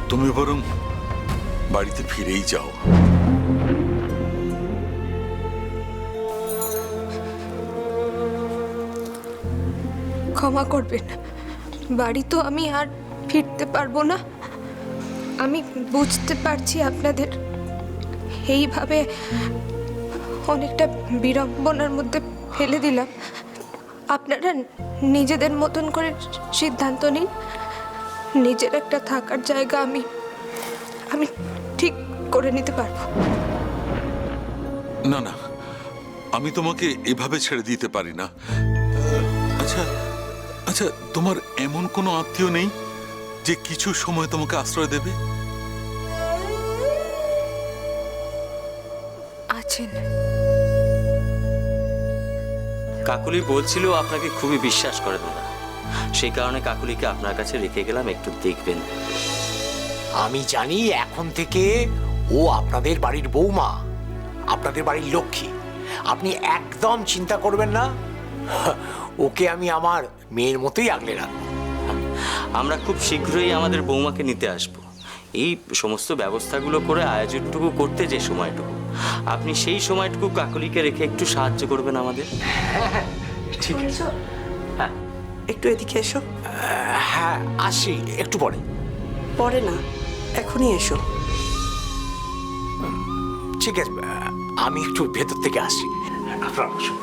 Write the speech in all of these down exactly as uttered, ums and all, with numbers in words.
তুমি বরং বাড়িতে ফিরেই যাও। ক্ষমা করবেন, বাড়ি তো আমি আর ফিরতে পারবো না। আমি বুঝতে পারছি আপনাদের এইভাবে অনেকটা বিড়ম্বনার মধ্যে ফেলে দিলাম। আপনারা নিজেদের মতন করে সিদ্ধান্ত নিন। নিজের একটা থাকার জায়গা আমি আমি ঠিক করে নিতে পারবো। না না, আমি তোমাকে এভাবে ছেড়ে দিতে পারি না। আচ্ছা আচ্ছা, তোমার এমন কোনো আত্মীয় নেই যে কিছু সময় তোমাকে আশ্রয় দেবে? আছেন। কাকুলি বলছিল আপনাকে খুবই বিশ্বাস করে দাদা, সেই কারণে কাকুলিকে আপনার কাছে রেখে গেলাম, একটু দেখবেন। আমি জানি এখন থেকে ও আপনাদের বাড়ির বৌমা, আপনাদের বাড়ির লক্ষ্মী। আপনি একদম চিন্তা করবেন না, ওকে আমি আমার মেয়ের মতোই আগলে রাখবো। আমরা খুব শীঘ্রই আমাদের বৌমাকে নিতে আসব। এই সমস্ত ব্যবস্থাগুলো করে আয়োজনটুকু করতে যে সময়টুকু, আপনি সেই সময়টুকু কাকুলিকে রেখে একটু সাহায্য করবেন আমাদের। ঠিক আছে, হ্যাঁ একটু এদিকে এসো। হ্যাঁ আসি একটু পরে। পরে না, এখনই এসো। ঠিক আছে, আমি একটু ভেতর থেকে আসছি, আপনারা বসুন।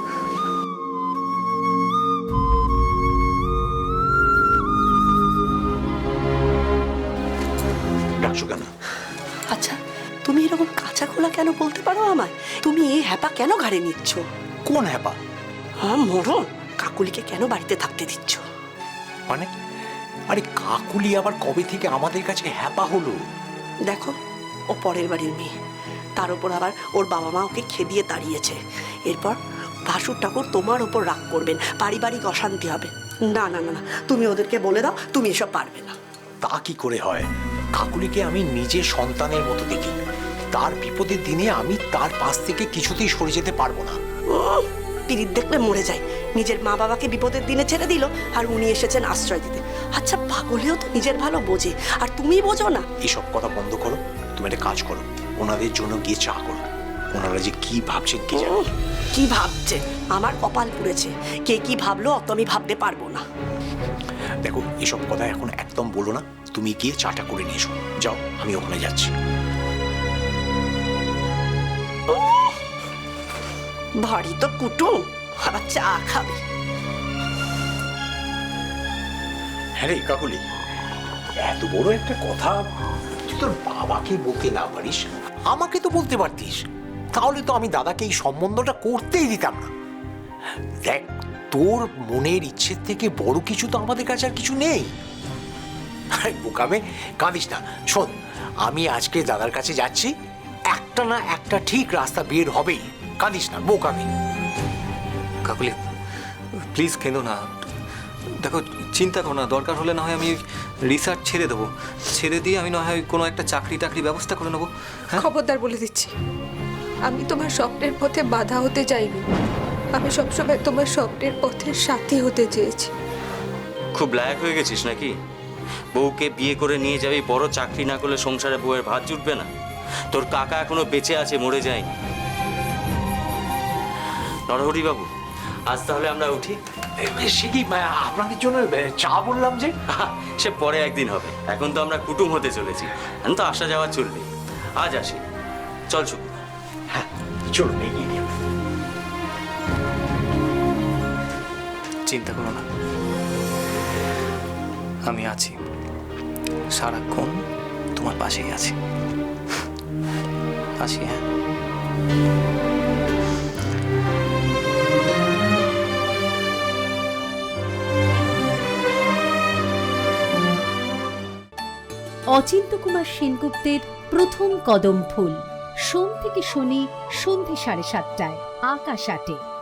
ডাকছো কেন? আচ্ছা, তুমি এরকম কাঁচা খোলা কেন বলতে পারো আমায়? তুমি এই হ্যাপা কেন ঘাড়ে নিচ্ছ? কোন হ্যাপা? হ্যাঁ মরণ, কাকুলিকে কেন বাড়িতে থাকতে দিচ্ছ? মানে আরে কাকুলি আবার কবে থেকে আমাদের কাছে হ্যাপা হলো? দেখো, ও পরের বাড়ির মেয়ে, তার উপর আবার ওর বাবা মা ওকে খেদিয়ে তাড়িয়েছে। এরপর ভাসুর ঠাকুর তোমার ওপর রাগ করবেন, পারিবারিক অশান্তি হবে। না না না না, তুমি ওদেরকে বলে দাও তুমি এসব পারবে না। তা কি করে হয়? কাকুলিকে আমি নিজের সন্তানের মতো দেখি। তার বিপদের দিনে আমি তার পাশ থেকে কিছুতেই সরে যেতে পারবো না। পিরিত দেখলে মরে যায়। নিজের মা বাবাকে বিপদের দিনে ছেড়ে দিল, আর উনি এসেছেন আশ্রয় দিতে। আচ্ছা, পাগলেও তো নিজের ভালো বোঝে, আর তুমি বোঝো না। এসব কথা বন্ধ করো, তুমি একটা কাজ করো, ওনাদের জন্য গিয়ে চা করো। ওনারা যে কি ভাবছেন কি জানি। কি ভাবছে? আমার কপাল পুড়েছে। কে কি ভাবলো অত আমি ভাবতে পারবো না। দেখো, এসব কথা এখন একদম বলো না। তুমি গিয়ে চাটা করে নিয়ে এসো। যাও, আমি ওখানে যাচ্ছি। ভারী তো কুটুম, আবার চা খাবে। হ্যাঁ রে কাকুলি, এত বড় একটা কথা তুই তোর বাবাকে বলতে না পারিস, আমাকে তো বলতে পারতিস। তাহলে তো আমি দাদাকে এই সম্বন্ধটা করতেই দিতাম না। দেখ, তোর মনের ইচ্ছের থেকে বড় কিছু তো আমাদের কাছে আর কিছু নেই। বোকামে কাঁদিস না। শোন, আমি আজকে দাদার কাছে যাচ্ছি, একটা না একটা ঠিক রাস্তা বের হবেই। কাঁদিস না বোকামে। কাকুলি প্লিজ কেঁদো না। দেখো, চিন্তা করো না, দরকার হলে না হয় আমি রিসার্চ ছেড়ে দেবো, ছেড়ে দিয়ে আমি না হয় কোনো একটা চাকরি টাকরি ব্যবস্থা করে নেবো। হ্যাঁ, খবরদার বলে দিচ্ছি, আমি তোমার স্বপ্নের পথে বাধা হতে চাইনি। আমি সবসময় তোমার স্বপ্নের পথের সাথী হতে চেয়েছি। খুব লায়ক হয়ে গেছিস নাকি? বউকে বিয়ে করে নিয়ে যাবি, বড় চাকরি না করলে সংসারে বউয়ের ভাত জুটবে না। তোর কাকা এখনো বেঁচে আছে, মরে যায়নি। নরহরি বাবু, আজ তাহলে আমরা উঠি। সে কি আপনাদের জন্য চা বললাম যে? সে পরে একদিন হবে, এখন তো আমরা কুটুম হতে চলেছি, এখন তো আসা যাওয়া চলবে। আজ আসি, চল শুকু। হ্যাঁ চলুন, এগিয়ে নিয়ে। চিন্তা করো না, আমি আছি, সারাক্ষণ তোমার পাশেই আছি। আসি। হ্যাঁ, অচিন্ত্যকুমার সেনগুপ্তের প্রথম কদম ফুল, সোম থেকে শনি সন্ধে সাড়ে সাতটায় আকাশ আটে।